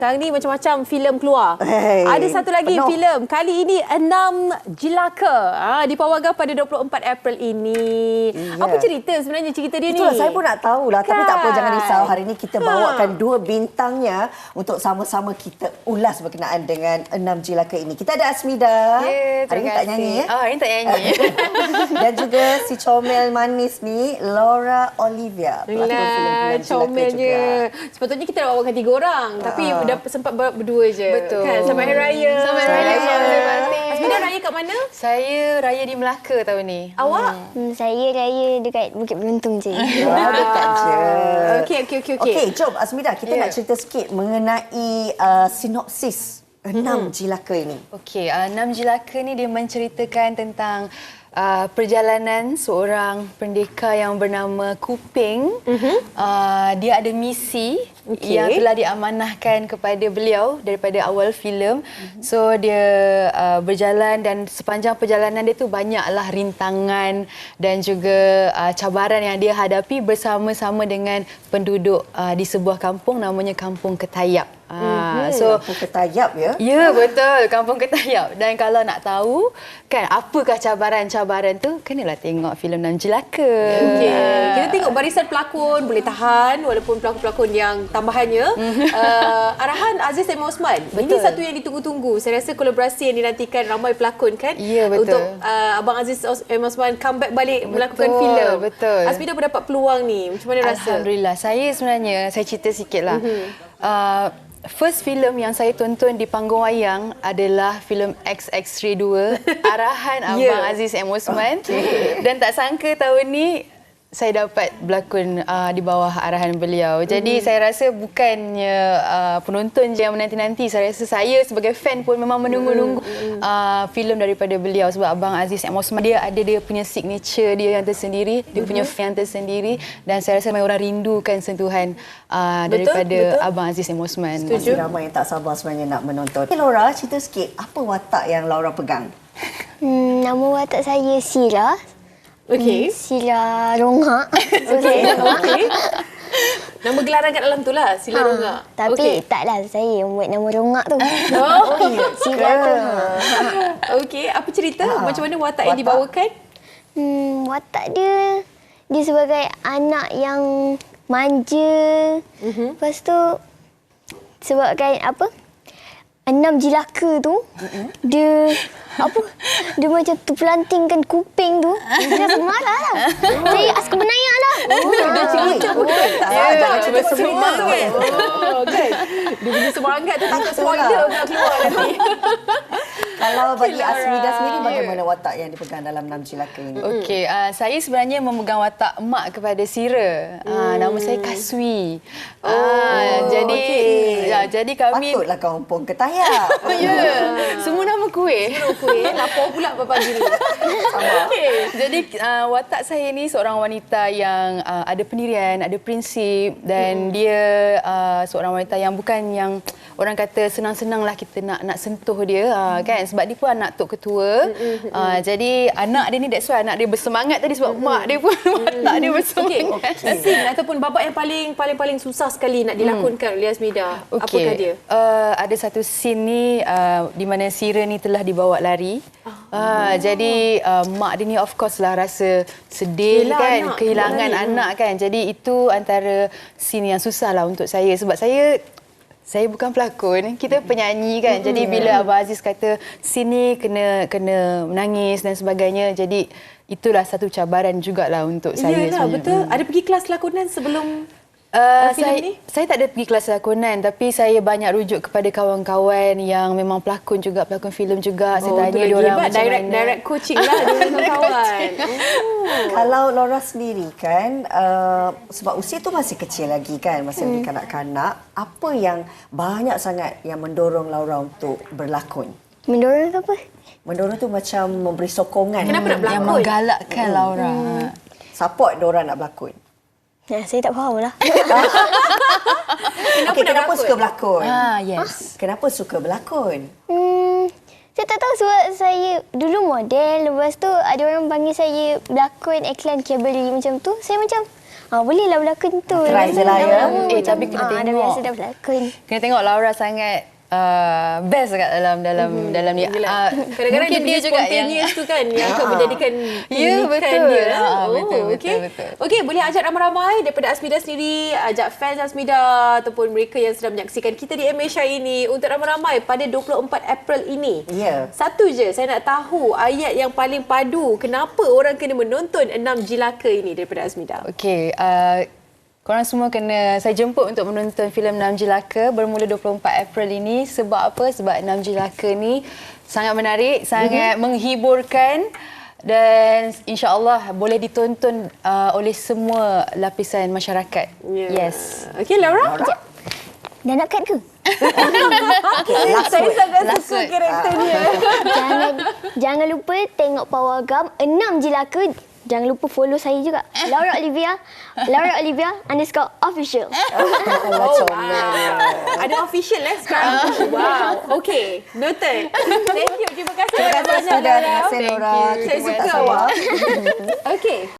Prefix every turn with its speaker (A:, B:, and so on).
A: Sekarang ni macam-macam filem keluar.
B: Hey,
A: Ada satu lagi
B: penuh.
A: filem. Kali ini 6 Jelaka. Dipawarkan pada 24 April ini.
B: Ya.
A: Apa cerita sebenarnya cerita dia
B: Itulah
A: ni?
B: saya pun nak tahulah. Tapi tak apa,
A: Kan?
B: jangan risau. Hari ini kita bawakan dua bintangnya untuk sama-sama kita ulas berkenaan dengan 6 Jelaka ini. Kita ada Asmida.
C: Ya,
B: Hari ini tak nyanyi ya?
C: Hari ini tak nyanyi.
B: Dan juga si comel manis ni, Laura Olivia. Pelakon filem
A: Lah,
B: Jelaka juga.
A: comelnya. Sepatutnya kita nak bawakan 3 orang. Tapi dah sempat berdua je.
C: Betul.
A: Kan? Selamat Hari Raya.
C: Selamat Hari Raya.
A: Asmida raya kat mana?
C: Saya raya di Melaka tahun ni.
A: Awak?
D: Saya raya dekat Bukit Beruntung je.
B: Wah, dekat je.
A: Okey.
B: Okey, jom Asmida, kita nak cerita sikit mengenai sinopsis 6 Jelaka ini.
C: Okey, 6 Jelaka ni dia menceritakan tentang perjalanan seorang pendekar yang bernama Kuping. Dia ada misi yang telah diamanahkan kepada beliau daripada awal filem. So dia berjalan dan sepanjang perjalanan dia tu banyaklah rintangan dan juga cabaran yang dia hadapi bersama-sama dengan penduduk di sebuah kampung namanya Kampung Ketayap.
B: So Ketayap ya.
C: Ya, betul. Kampung Ketayap. Dan kalau nak tahu kan apakah cabaran-cabaran tu, kenalah tengok filem 6 Jelaka.
A: Okey. Kita tengok barisan pelakon boleh tahan walaupun pelakon-pelakon yang tambahannya. Arahan Aziz M. Osman. Ini
C: Betul.
A: satu yang ditunggu-tunggu. Saya rasa kolaborasi yang dinantikan ramai pelakon kan.
C: Ya, betul.
A: Untuk Abang Aziz M. Osman comeback balik melakukan filem.
C: Betul.
A: Asmida mendapat peluang ni. Macam mana rasa?
C: Alhamdulillah. Saya cerita sikit lah. First filem yang saya tonton di panggung wayang adalah filem XX-Ray 2 arahan Abang Aziz M. Osman. Dan tak sangka tahun ni saya dapat berlakon di bawah arahan beliau. Jadi saya rasa bukannya penonton je yang menanti-nanti. Saya rasa saya sebagai fan pun memang menunggu-nunggu filem daripada beliau. Sebab Abang Aziz M. Osman dia ada dia punya signature dia yang tersendiri. Dia punya fan tersendiri. Dan saya rasa orang rindukan sentuhan daripada Abang Aziz M. Osman.
B: Masih ramai yang tak sabar sebenarnya nak menonton. Okay, Laura, cerita sikit apa watak yang Laura pegang?
D: Nama watak saya Sila.
A: Okey.
D: Sila Rongak.
A: Okey. Nama gelaran kat dalam tu lah, Sila Rongak.
D: Tapi taklah saya yang buat nama Rongak tu. Sila tu.
A: Okey, apa cerita? Macam mana watak yang dibawakan?
D: Watak dia sebagai anak yang manja. Lepas tu sebabkan apa? 6 Jelaka tu dia macam terpelantingkan kuping tu. Dia marah lah. Saya askar benayak lah.
A: Dia cerita betul.
B: Jangan cerita
A: semangat. Kan? Dia punya semangat tu takut spoiler nak keluar nanti.
B: Kalau bagi Asmida sendiri, bagaimana watak yang dipegang dalam 6 Jelaka ini?
C: Okey, saya sebenarnya memegang watak mak kepada Sira. Nama saya Kaswi. Jadi kami
B: Patutlah Kampung Ketayap.
C: semua nama kuih.
A: Lapor pula pagi ni.
C: Jadi watak saya ni seorang wanita yang ada pendirian, ada prinsip dan dia seorang wanita yang bukan yang orang kata senang-senanglah kita nak sentuh dia kan, sebab dia pun anak tok ketua. Jadi anak dia ni, that's why anak dia bersemangat tadi sebab mak dia pun watak dia bersemangat.
A: Scene ataupun babak yang paling susah sekali nak dilakonkan oleh Asmida. Apakah dia?
C: Ada satu scene ni di mana Sira ni telah dibawa lari. Jadi mak dia ni of course lah rasa sedih kan, kehilangan anak kan. Jadi itu antara scene yang susah lah untuk saya sebab saya bukan pelakon, kita penyanyi kan. Jadi bila Abang Aziz kata sini kena menangis dan sebagainya, jadi itulah satu cabaran jugalah untuk saya.
A: Yalah, betul. Ada pergi kelas lakonan sebelum
C: saya tak ada pergi kelas lakonan, tapi saya banyak rujuk kepada kawan-kawan yang memang pelakon juga, pelakon filem juga. Saya tanya dia orang macam mana.
A: Direct coaching lah dengan kawan.
B: Kalau Laura sendiri kan, sebab usia tu masih kecil lagi kan, masih lagi kanak-kanak, apa yang banyak sangat yang mendorong Laura untuk berlakon?
D: Mendorong tu apa?
B: Mendorong tu macam memberi sokongan.
A: Kenapa nak berlakon?
C: Yang menggalakkan Laura.
B: Support diorang nak berlakon.
D: Saya tak faham lah.
B: Kenapa suka berlakon?
C: Yes.
B: Kenapa suka berlakon?
D: Saya tak tahu sebab saya dulu model. Lepas tu ada orang panggil saya berlakon iklan kabel macam tu. Saya macam, Bolehlah berlakon tu.
B: Try je lah, ya.
C: Tapi kena
D: Dah
C: tengok.
D: biasa dah berlakon.
C: Kena tengok Laura sangat best kat dalam ni.
A: Kadang-kadang
C: Mungkin dia juga yang
A: spontaneous tu kan yang akan menjadikan
C: Ya,
A: unikan
C: betul.
A: dia.
C: Betul.
A: Okey, boleh ajak ramai-ramai daripada Azmida sendiri, ajak fans Azmida ataupun mereka yang sedang menyaksikan kita di MH ini untuk ramai-ramai pada 24 April ini.
B: Ya.
A: Satu je saya nak tahu ayat yang paling padu kenapa orang kena menonton 6 Jilaka ini daripada Azmida.
C: Okey, korang semua kena saya jemput untuk menonton filem 6 Jilaka bermula 24 April ini. Sebab apa? Sebab 6 Jilaka ni sangat menarik, sangat menghiburkan dan insya-Allah boleh ditonton oleh semua lapisan masyarakat. Yes.
A: Okey, Laura?
D: Dah nak cut ke?
A: Saya sangat suka karakternya.
D: Jangan lupa tengok Power Gam 6 Jilaka. Jangan lupa follow saya juga. Laura Olivia _official.
A: Oh, wow. Ada official sekarang. Wow. Okey, noted. Thank you. Terima kasih banyak-banyak,
B: Terima
A: Laura.
B: kasih, Laura.
A: Saya suka awak. Okey.